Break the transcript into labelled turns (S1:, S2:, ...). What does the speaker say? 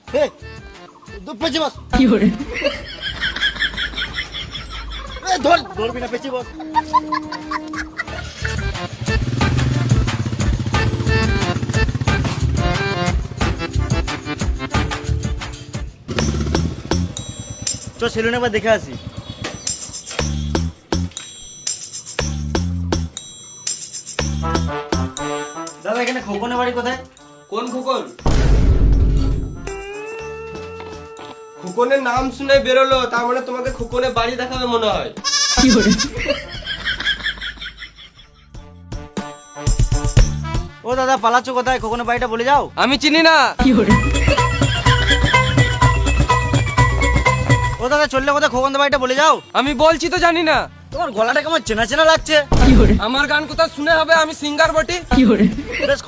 S1: পেঁচে বস। ধরবি না, পেঁচে বস। চ সেলুন একবার দেখে আসি। দাদা এখানে খোকনের বাড়ি কোথায়?
S2: কোন খোকন? খোকনের নাম শুনে বেরোলো, তার মানে তোমাকে খোকনের বাড়ি দেখাবে মনে হয়।
S1: ও দাদা পালাচ্ছ কোথায়? খোকনের বাড়িটা বলে যাও।
S2: আমি চিনি না।
S1: ও দাদা চললে কোথায়? খোকনের বাড়িটা বলে যাও।
S2: আমি বলছি তো জানি না।
S1: তোমার গলাটা কেমন চেনা চেনা লাগছে।
S2: আমার গান কোথাও শুনে হবে, আমি সিঙ্গার বটি।
S1: বেশ